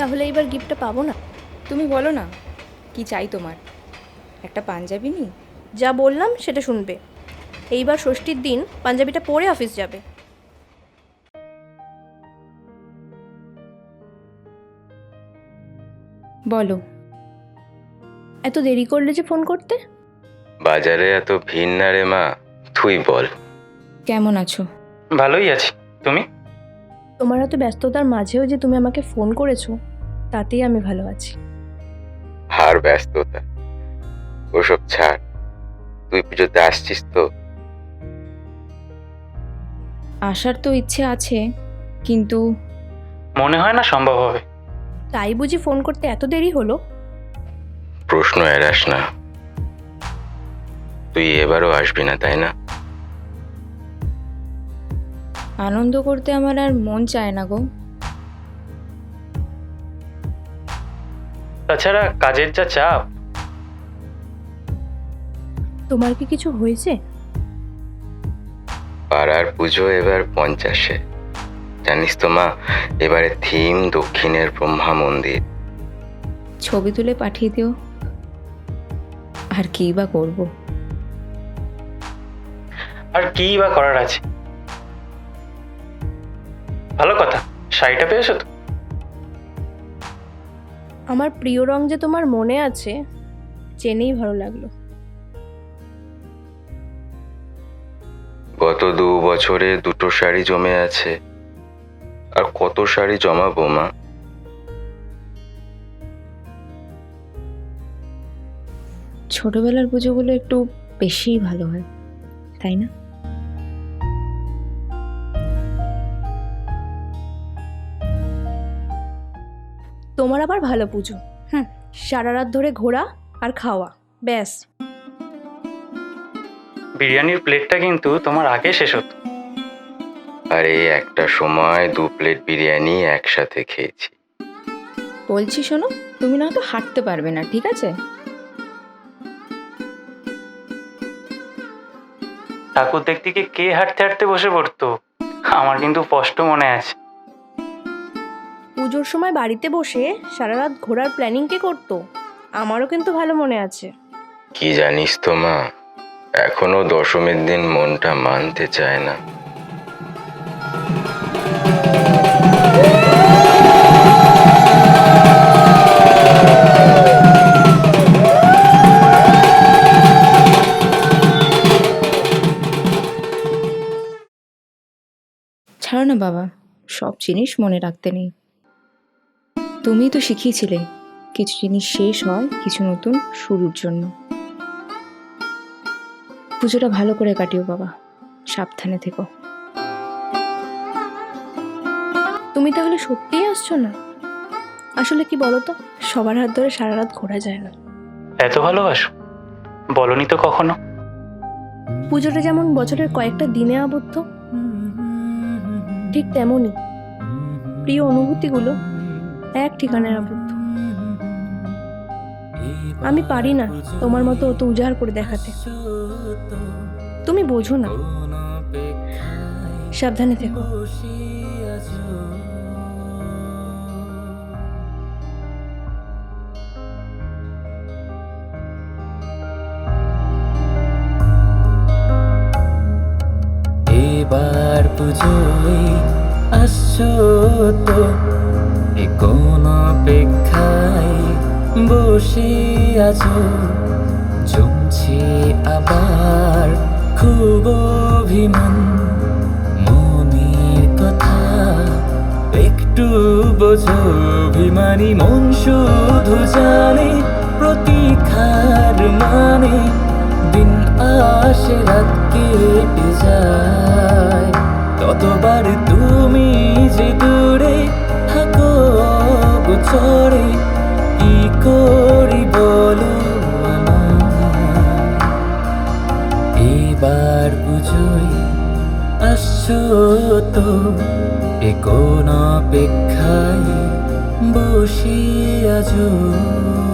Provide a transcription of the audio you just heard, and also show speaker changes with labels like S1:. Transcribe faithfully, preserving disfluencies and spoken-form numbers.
S1: তাহলে এবার গিফটটা পাবো না?
S2: তুমি বলো না কি চাই তোমার? একটা পাঞ্জাবি নি?
S1: যা বললাম সেটা শুনবে। এইবার ষষ্ঠীর দিন পাঞ্জাবিটা পরে অফিস যাবে।
S2: বলো।
S1: এত দেরি করলে যে ফোন করতে?
S3: বাজারে এত ভিড় না রে মা, তুই বল।
S2: কেমন আছো?
S4: ভালোই আছি। তুমি?
S1: তোমার এত ব্যস্ততার মাঝেও যে তুমি আমাকে ফোন করেছো, তাতেই আমি ভালো আছি।
S3: আর ব্যস্ততা ওসব ছাড়, তুই পুজোতে আসছিস তো?
S2: আসার তো ইচ্ছে আছে, কিন্তু
S4: মনে হয় না সম্ভব হবে।
S1: তাই বুঝি ফোন করতে এত দেরি হলো?
S3: প্রশ্ন এড়াস না। তুই এবারও আসবি না তাই না?
S2: আনন্দ করতে আমার আর মন চায় না গো।
S4: তাছাড়া কাজের যা চাপ।
S1: তোমার কি কিছু হয়েছে?
S3: পাড়ার পুজো এবার পঞ্চাশে, জানিস তো মা, এবারে থিম দক্ষিণের ব্রহ্মা মন্দির।
S2: ছবি তুলে পাঠিয়ে দিও। আর কি বা করব?
S4: আর কি বা করার আছে? ভালো কথা, শাড়িটা পেয়েছো তো?
S1: আমার প্রিয় রং যে তোমার মনে আছে, জেনেই ভালো লাগলো।
S3: গত দু বছরে দুটো শাড়ি জমে আছে, আর কত শাড়ি জমাবো মা?
S2: ছোটবেলার পুজোগুলো একটু বেশিই ভালো হয়, তাই না?
S1: তোমার আবার ভালো পুজো। হুম, সারা রাত ধরে ঘোরা আর খাওয়া, ব্যাস।
S4: বিরিয়ানির প্লেটটা কিন্তু তোমার আগে শেষ হতো।
S3: আরে একটা সময় দু প্লেট বিরিয়ানি একসাথে খেয়েছি।
S2: বলছি শোনো, তুমি না তো হাঁটতে পারবে না, ঠিক আছে?
S4: ঠাকুর দেখতে গিয়ে কে হাঁটতে হাঁটতে বসে পড়তো, আমার কিন্তু স্পষ্ট মনে আছে।
S1: পুজোর সময় বাড়িতে বসে সারা রাত ঘোরার প্ল্যানিং কে করতো? আমারও কিন্তু ভালো মনে আছে।
S3: কি জানিস তো মা, এখনো দশমীর দিন মনটা মানতে চায় না।
S2: ছাড়ো না বাবা, সব জিনিস মনে রাখতে নেই। তুমিই তো শিখিয়েছিলে কিছু জিনিস শেষ হয় কিছু নতুন শুরুর জন্য। পুজোটা ভালো করে কাটিও বাবা, সাবধানে থেকো।
S1: তুমি তাহলে সত্যিই আসছো না? আসলে কি বলো তো, সবার হাত ধরে সারা রাত ঘোরা যায় না।
S4: এত ভালোবাসো? বলনি তো কখনো।
S1: পুজোটা যেমন বছরের কয়েকটা দিনে আবদ্ধ, ঠিক তেমনই প্রিয় অনুভূতিগুলো এক ঠিকানায় আবদ্ধ। আমি পারি না তোমার মতো অত উজাড় করে দেখাতে, তুমি বোঝো না। সাবধানে থেকো।
S5: এবার পুজোয় আসছো তো, এ কোন অপেক্ষায় বসে আছো? জমছে আবার খুব অভিমান, মনের কথা একটু বোঝো। অভিমানী মন শুধু জানে প্রতীক্ষার মানে, দিন আসে রাত কেটে যায়, ততবার তুমি যে দূরে থাকো গোচরে। কি করি বলো আমায়? এবার বুঝোই আসছো তো, এ কোন অপেক্ষায় বসে আছো?